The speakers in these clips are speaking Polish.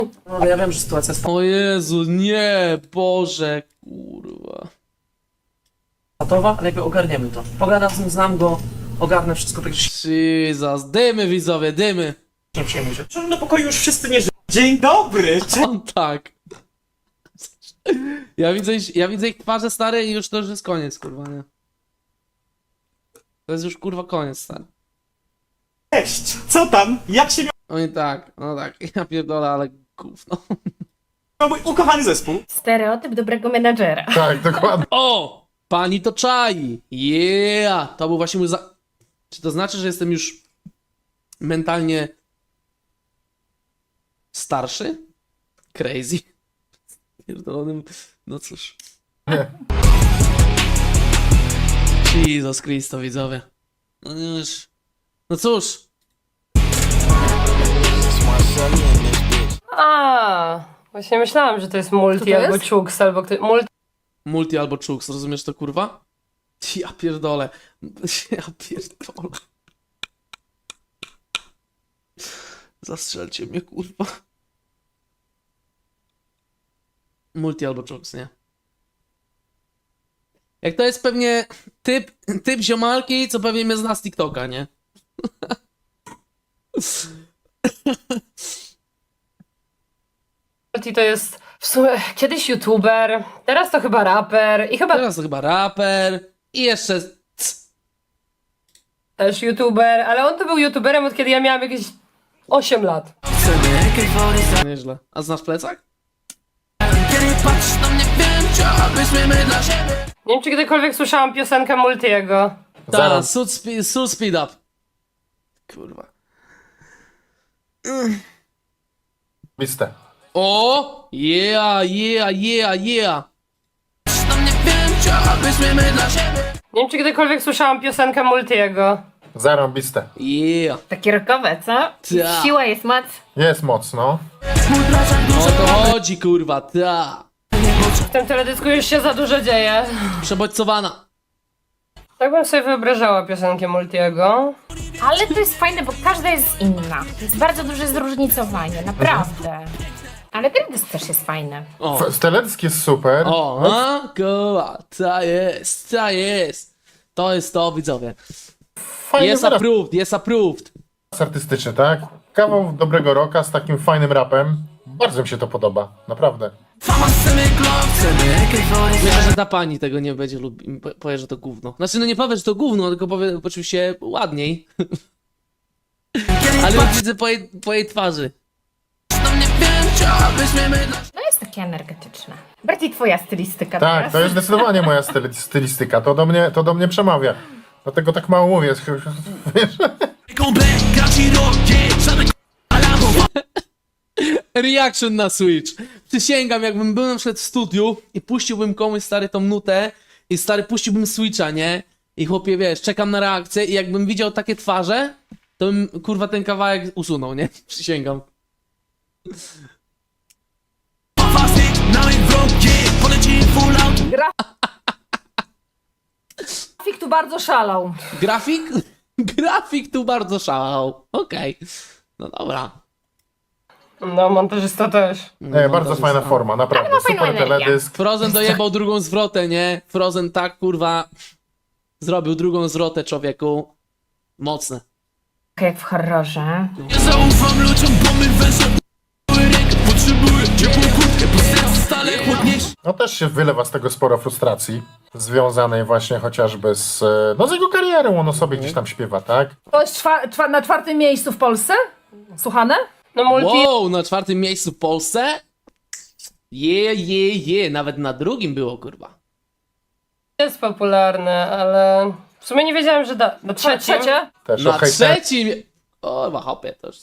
No, ja wiem, że sytuacja jest O Jezu, nie, Boże, kurwa. patowa, ale jakby ogarniemy to. Pogadam z nim, znam go, ogarnę wszystko, tak że się Jesus, dymy widzowie, dymy. nie przejmuj się. Na pokoju już wszyscy nie żyją. Dzień dobry! On tak. Ja widzę ich twarze stare i już to już jest koniec, kurwa, nie? To jest już kurwa koniec, stary. Cześć! Co tam? Jak się Oni tak, no tak, ja pierdolę, ale gówno. miał mój ukochany zespół? Stereotyp dobrego menadżera. Tak, dokładnie. O! Pani to czai! Yeah! To był właśnie mój Czy to znaczy, że jestem już mentalnie starszy? Crazy. Pierdolonym. No cóż. Nie. Jezus Christo, widzowie. No już. No cóż. A, właśnie myślałam, że to jest multi to albo jest? Chux, albo multi. Multi albo Chux, rozumiesz to, kurwa? Ja pierdolę. Ja pierdolę. Zastrzelcie mnie, kurwa. Multi albo Chux, nie? Jak to jest pewnie typ ziomalki, co pewnie mnie zna z TikToka, nie? Multi to jest w sumie kiedyś youtuber, teraz to chyba raper i chyba Teraz to chyba raper i jeszcze... też youtuber, ale on to był youtuberem od kiedy ja miałam jakieś 8 lat. Nieźle. A znasz plecak? Nie wiem, czy kiedykolwiek słyszałam piosenkę Multiego. Zero. Ta, Suit Speed Up. Kurwa. Listę. O! Yeah, yeah, yeah, yeah. Nie wiem, czy kiedykolwiek słyszałam piosenkę Multiego. Zarąbiste. Yeah. Takie rokowe, co? Ta. Siła jest moc. Jest mocno. O to chodzi, kurwa, ta. W tym teledysku już się za dużo dzieje. Przebodźcowana. Tak bym sobie wyobrażała piosenkę Multiego. Ale to jest fajne, bo każda jest inna. Jest bardzo duże zróżnicowanie, naprawdę. Ale ten dysk też jest fajny. O, Teledysk jest super. o, a, kurwa, ta jest, ta jest. To jest to, widzowie. Fajny Jest wyraz approved, jest approved. artystyczny, tak? Kawał dobrego rocka z takim fajnym rapem. Bardzo mi się to podoba, naprawdę. Myślę, że ta pani tego nie będzie lubić, powie, że to gówno. Znaczy, no nie powie, że to gówno, tylko powie oczywiście ładniej. Ale już widzę po jej twarzy. No jest takie energetyczne. Bardziej twoja stylistyka Tak, teraz. to jest zdecydowanie moja stylistyka. To do mnie przemawia. Dlatego tak mało mówię. Wiesz? Reaction na Switch. Przysięgam, jakbym był na przykład w studiu i puściłbym komuś stary tą nutę i stary puściłbym Switcha, nie? I chłopie, wiesz, czekam na reakcję i jakbym widział takie twarze, to bym, kurwa, ten kawałek usunął, nie? Przysięgam. Grafik tu bardzo szalał. Grafik? Grafik tu bardzo szalał. Okej. No dobra. No, montażysta też. Nie, bardzo fajna forma, naprawdę. Ale ma fajną Super energię. teledysk. Frozen dojebał drugą zwrotę, nie? Frozen tak, kurwa, zrobił drugą zwrotę, człowieku. Mocne. Jak w horrorze. No też się wylewa z tego sporo frustracji. Związanej właśnie chociażby z jego karierą. On o sobie gdzieś tam śpiewa, tak? To jest na 4. miejscu w Polsce? Słuchane? No Multi Wow, na 4. miejscu w Polsce? Nawet na 2. było, kurwa. jest popularny, ale w sumie nie wiedziałem, że na trzecim. Trzecie? Też Na o hejterach, 3. O, hopie, to już...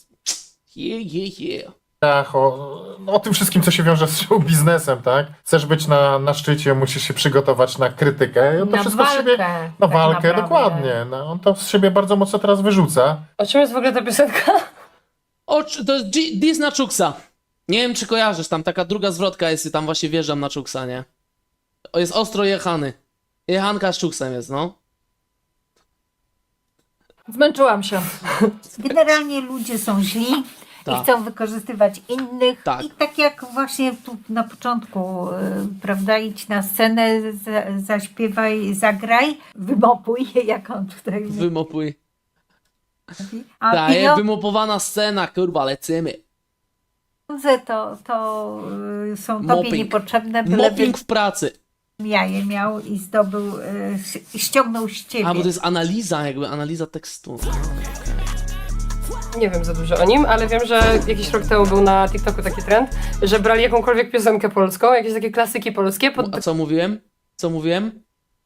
o tym wszystkim, co się wiąże z show biznesem, tak? Chcesz być na szczycie, musisz się przygotować na krytykę. I on to Na wszystko z siebie... walkę. Na tak walkę, naprawdę. dokładnie. No, on to z siebie bardzo mocno teraz wyrzuca. O czym jest w ogóle ta piosenka? O, to jest Dis na Czuksa. Nie wiem, czy kojarzysz, tam taka druga zwrotka jest i tam właśnie wjeżdżam na Czuksa, nie? O, jest ostro jechany. Jechanka z Czuksem jest, no. Zmęczyłam się. Generalnie ludzie są źli. Tak. i chcą wykorzystywać innych. Tak. I tak jak właśnie tu na początku, prawda, idź na scenę, zaśpiewaj, zagraj, wymopuj, jak on tutaj mówi. Wymopuj. A Daje wymopowana scena, kurwa, lecimy. pieniądze to są tobie Mopping. niepotrzebne, byleby Mopping w pracy. jaje miał i zdobył, i ściągnął z ciebie. A, bo to jest analiza, jakby analiza tekstu. Nie wiem za dużo o nim, ale wiem, że jakiś rok temu był na TikToku taki trend, że brali jakąkolwiek piosenkę polską, jakieś takie klasyki polskie, A co mówiłem? Co mówiłem?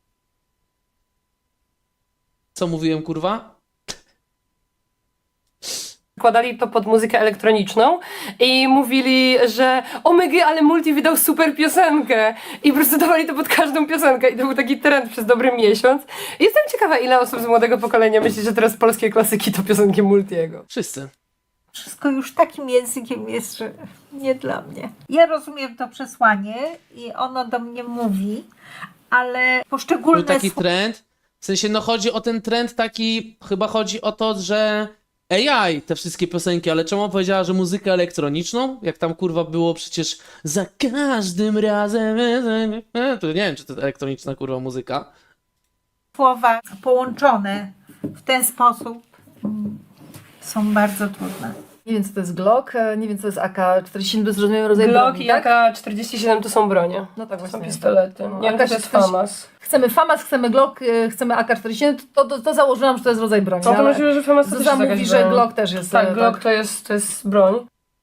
Co mówiłem, kurwa? podkładali to pod muzykę elektroniczną i mówili, że omega, ale Multi wydał super piosenkę i po prostu dawali to pod każdą piosenkę i to był taki trend przez dobry miesiąc. I jestem ciekawa, ile osób z młodego pokolenia myśli, że teraz polskie klasyki to piosenki Multiego. Wszyscy. Wszystko już takim językiem jest, że nie dla mnie. Ja rozumiem to przesłanie i ono do mnie mówi, ale Był poszczególne taki trend. W sensie, no chodzi o ten trend taki, chyba chodzi o to, że AI, te wszystkie piosenki, ale czemu powiedziała, że muzykę elektroniczną? Jak tam kurwa było przecież za każdym razem. To nie wiem, czy to jest elektroniczna kurwa muzyka. słowa połączone w ten sposób są bardzo trudne. Nie wiem, co to jest Glock, nie wiem, co to jest AK-47, to jest rozumiem rodzaj Glock broni, i tak? AK-47 to są bronie. No tak To są właśnie. pistolety. Nie wiem, to jest FAMAS. Chcemy FAMAS, chcemy Glock, chcemy AK-47, to założyłam, że to jest rodzaj broni. No to ale możliwe, że FAMAS to też Zuza jest mówi, jakaś że broń. Glock też jest. Tak, Glock to jest broń.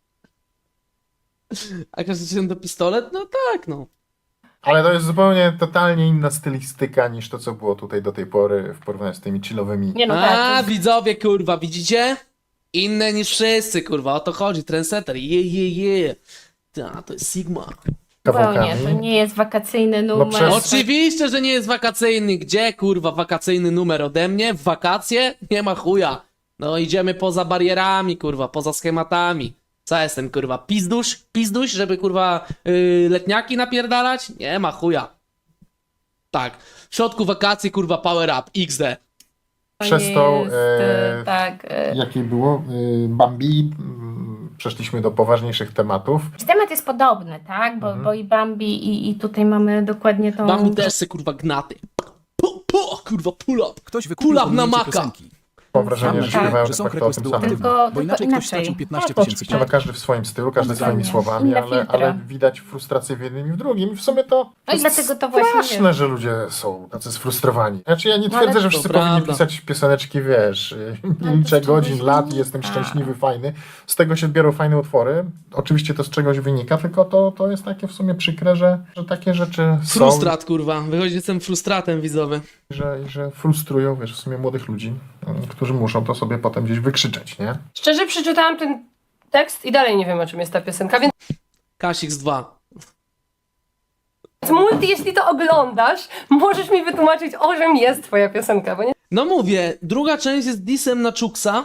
A każdy to pistolet? No tak, no. Ale to jest zupełnie, totalnie inna stylistyka niż to, co było tutaj do tej pory w porównaniu z tymi chillowymi. Nie no tak. A, widzowie, kurwa, widzicie? Inne niż wszyscy, kurwa, o to chodzi. Trendsetter, je. Ta, to jest Sigma. Zupełnie, to nie jest wakacyjny numer. przez- Oczywiście, że nie jest wakacyjny. Gdzie, kurwa, wakacyjny numer ode mnie? W wakacje? Nie ma chuja. No, idziemy poza barierami, kurwa, poza schematami. Co jestem, kurwa, pizduś, żeby, kurwa, letniaki napierdalać? Nie ma chuja. Tak, w środku wakacji, kurwa, power up, XD. Przez nie to, jest, tak. jakie było, Bambi, przeszliśmy do poważniejszych tematów. Temat jest podobny, tak? Bo i Bambi i tutaj mamy dokładnie tą... Mam też se, kurwa, gnaty. Kurwa, pull up. Ktoś Pull wykupił up na pominięcie maka. piosenki. Mam wrażenie, że Tak. śpiewają Że de są facto o tym requesty samym. Tylko bo inaczej ktoś inaczej. stracił 15 Tak, tysięcy oczywiście. No każdy w swoim stylu, każdy swoimi Dokładnie. słowami, Inne ale filtry. widać frustrację w jednym i w drugim. I w sumie to No i dlatego to właśnie straszne, że ludzie są tacy sfrustrowani. Znaczy ja nie No ale twierdzę, że to wszyscy prawda. powinni pisać pioseneczki, wiesz, nie liczę godzin, lat i jestem szczęśliwy, fajny. Z tego się biorą fajne utwory. Oczywiście to z czegoś wynika, tylko to jest takie w sumie przykre, że takie rzeczy są. Frustrat, kurwa. Wychodzi, że jestem frustratem, widzowy. Że frustrują, wiesz, w sumie młodych ludzi, którzy muszą to sobie potem gdzieś wykrzyczeć, nie? Szczerze przeczytałam ten tekst i dalej nie wiem, o czym jest ta piosenka, więc Kasix 2. Multi, jeśli to oglądasz, możesz mi wytłumaczyć, o czym jest twoja piosenka, bo nie... No mówię, druga część jest disem na Czuksa.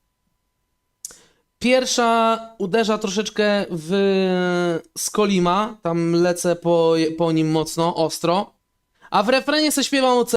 Pierwsza uderza troszeczkę w Skolima, tam lecę po nim mocno, ostro. A w refrenie se śpiewam o